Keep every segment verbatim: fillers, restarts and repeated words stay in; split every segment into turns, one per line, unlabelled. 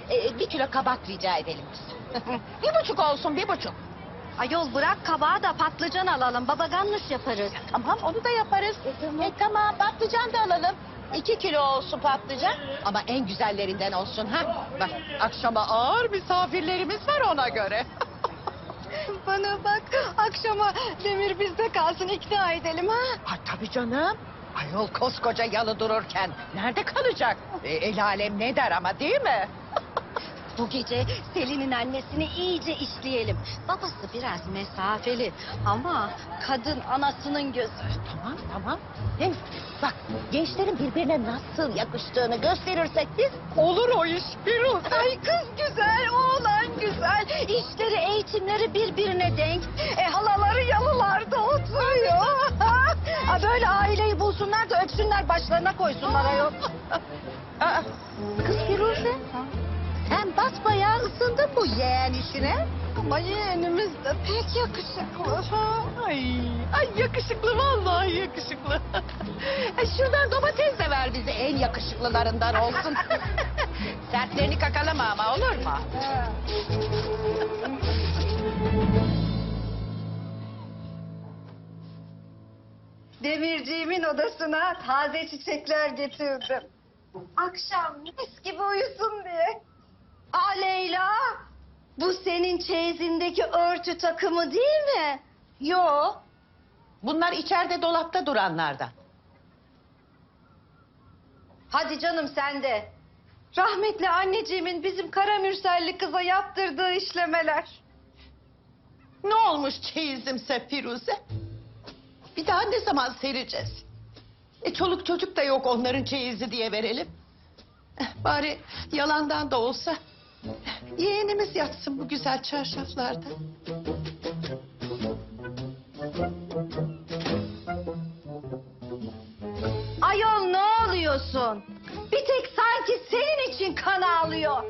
Ee, bir kilo kabak rica edelim biz. Bir buçuk olsun, bir buçuk.
Ayol bırak kabağı da patlıcan alalım. Baba ganoush yaparız.
Tamam, onu da yaparız. E, tamam. E, tamam, patlıcan da alalım. İki kilo olsun patlıcan. Ama en güzellerinden olsun ha. Bak, akşama ağır misafirlerimiz var ona göre.
Bana bak akşama Demir bizde kalsın ikna edelim ha.
Ha tabii canım. Ayol koskoca yalı dururken nerede kalacak? E, el alem ne der ama, değil mi?
Bu gece Selin'in annesini iyice işleyelim. Babası biraz mesafeli ama kadın anasının gözü.
Tamam tamam. Hem bak, gençlerin birbirine nasıl yakıştığını gösterirsek biz, olur o iş. Bir
Ay kız güzel, oğlan güzel. İşleri, eğitimleri birbirine denk. E halaları yalılarda oturuyor. Ha, böyle aileyi bulsunlar da öpsünler başlarına koysunlar ayol.
Aa, kız Firuze, sen basbayağı ısındın bu yeğen işine.
Ama yeğenimiz de pek yakışıklı.
Ay, ay yakışıklı, vallahi yakışıklı. Ay, şuradan domates de ver bize, en yakışıklılarından olsun. Sertlerini kakalama ama, olur mu?
Demirciğimin odasına taze çiçekler getirdim. Akşam mis gibi uyusun diye. Aa Leyla, bu senin çeyizindeki örtü takımı değil mi?
Yo, bunlar içeride dolapta duranlardan.
Hadi canım sen de. Rahmetli anneciğimin bizim Karamürselli kıza yaptırdığı işlemeler.
Ne olmuş çeyizimse Firuze? Bir daha ne zaman sereceğiz? E çoluk çocuk da yok onların çeyizi diye verelim. Eh, bari yalandan da olsa yeğenimiz yatsın bu güzel çarşaflarda.
Ayol ne oluyorsun? Bir tek sanki senin için kan ağlıyor.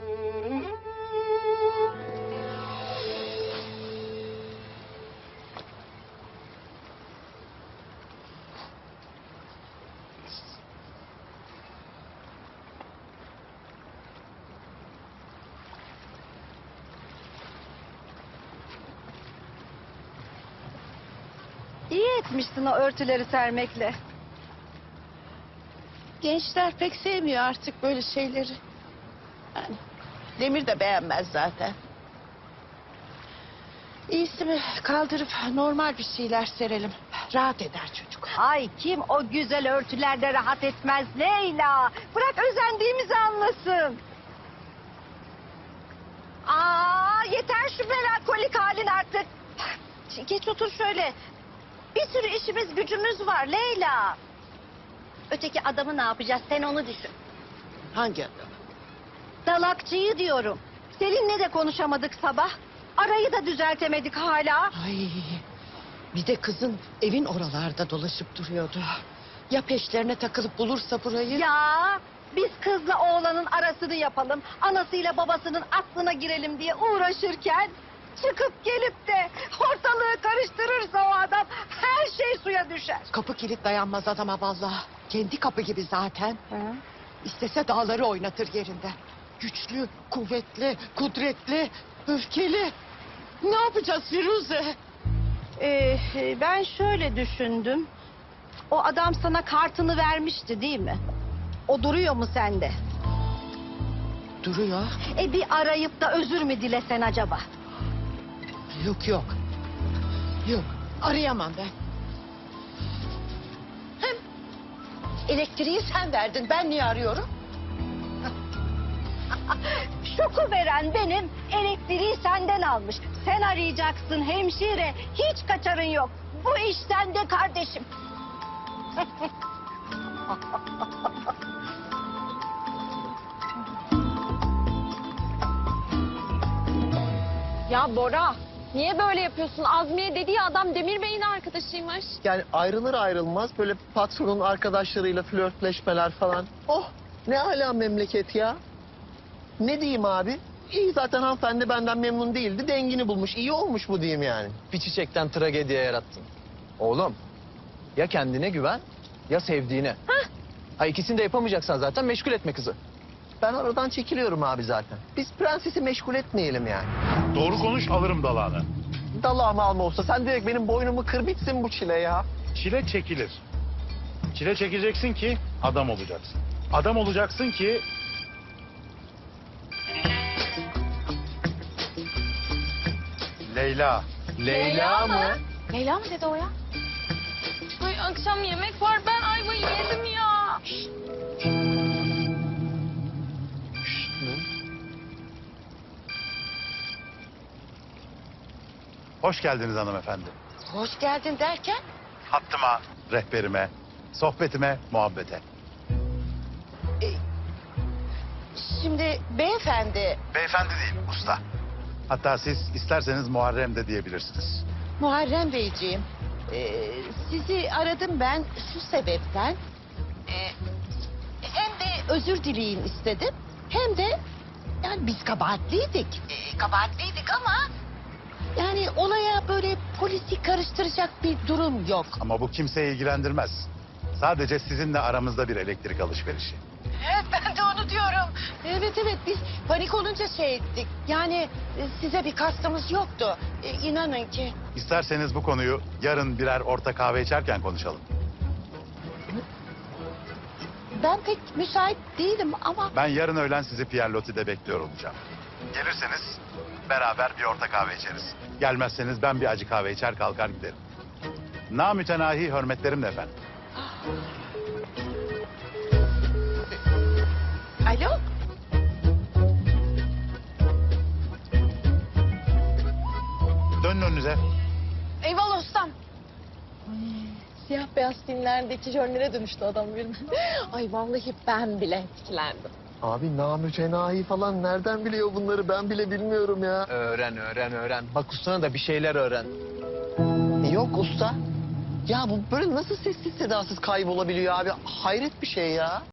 İyi etmişsin o örtüleri sermekle.
Gençler pek sevmiyor artık böyle şeyleri. Yani Demir de beğenmez zaten. İyisi mi kaldırıp normal bir şeyler serelim. Rahat eder çocuk.
Ay kim o güzel örtülerde rahat etmez Leyla. Bırak özendiğimizi anlasın. Aa yeter şu melankolik halin artık. Geç otur şöyle. Bir sürü işimiz gücümüz var Leyla. Öteki adamı ne yapacağız sen onu düşün.
Hangi adam?
Dalakçıyı diyorum. Selin'le de konuşamadık sabah. Arayı da düzeltemedik hala.
Ay, bir de kızın evin oralarda dolaşıp duruyordu. Ya peşlerine takılıp bulursa burayı?
Ya biz kızla oğlanın arasını yapalım. Anasıyla babasının aklına girelim diye uğraşırken... çıkıp gelip de ortalığı karıştırırsa o adam her şey suya düşer.
Kapı kilit dayanmaz adama vallahi. Kendi kapı gibi zaten.
Hı?
İstese dağları oynatır yerinden. Güçlü, kuvvetli, kudretli, öfkeli. Ne yapacağız Firuze?
Ee, ben şöyle düşündüm. O adam sana kartını vermişti değil mi? O duruyor mu sende?
Duruyor.
E bir arayıp da özür mü dilesen acaba?
Yok yok. Yok, arayamam ben. Hem elektriği sen verdin, ben niye arıyorum?
Şoku veren benim, elektriği senden almış. Sen arayacaksın hemşire, hiç kaçarın yok. Bu iş sende kardeşim.
Ya Bora, niye böyle yapıyorsun? Azmiye dediği adam Demir Bey'in arkadaşıymış.
Yani ayrılır ayrılmaz böyle patronun arkadaşlarıyla flörtleşmeler falan. Oh ne ala memleket ya. Ne diyeyim abi? İyi zaten hanımefendi benden memnun değildi. Dengini bulmuş. İyi olmuş bu diyeyim yani.
Bir çiçekten tragediye yarattın. Oğlum, ya kendine güven ya sevdiğine. Ha ikisini de yapamayacaksan zaten meşgul etme kızı.
Ben aradan çekiliyorum abi zaten. Biz prensesi meşgul etmeyelim yani.
Doğru konuş alırım dalağını.
Dalağımı alma olsa sen direkt benim boynumu kır bitsin bu çile ya.
Çile çekilir. Çile çekeceksin ki adam olacaksın. Adam olacaksın ki... Leyla.
Leyla mı?
Leyla mı dedi o ya? Ay akşam yemek var ben ayvayı yedim ya.
Hoş geldiniz hanımefendi.
Hoş geldin derken?
Hattıma, rehberime, sohbetime, muhabbete.
Şimdi beyefendi,
Beyefendi değil, usta. Hatta siz isterseniz Muharrem de diyebilirsiniz.
Muharrem Beyciğim, e, sizi aradım ben şu sebepten. E, hem de özür dileyin istedim, hem de yani biz kabahatliydik. E, kabahatliydik ama yani olaya böyle polisi karıştıracak bir durum yok.
Ama bu kimseyi ilgilendirmez. Sadece sizinle aramızda bir elektrik alışverişi.
Evet ben de onu diyorum. Evet evet biz panik olunca şey ettik. Yani e, size bir kastımız yoktu. E, inanın ki.
İsterseniz bu konuyu yarın birer orta kahve içerken konuşalım.
Ben pek müsait değilim ama...
Ben yarın öğlen sizi Pierre Loti'de bekliyor olacağım. Gelirseniz beraber bir orta kahve içeriz. Gelmezseniz ben bir acı kahve içer kalkar giderim. Namütenahi hürmetlerimle efendim.
Alo?
Dönün önünüze.
Eyvallah ustam.
Siyah beyaz filmlerdeki jönlere dönüştü adam birden. Ay vallahi ben bile etkilendim.
Abi namütenahi falan nereden biliyor bunları ben bile bilmiyorum ya.
Öğren, öğren, öğren. Bak ustana da bir şeyler öğren.
Yok usta. Ya bu böyle nasıl sessiz sedasız kaybolabiliyor abi? Hayret bir şey ya.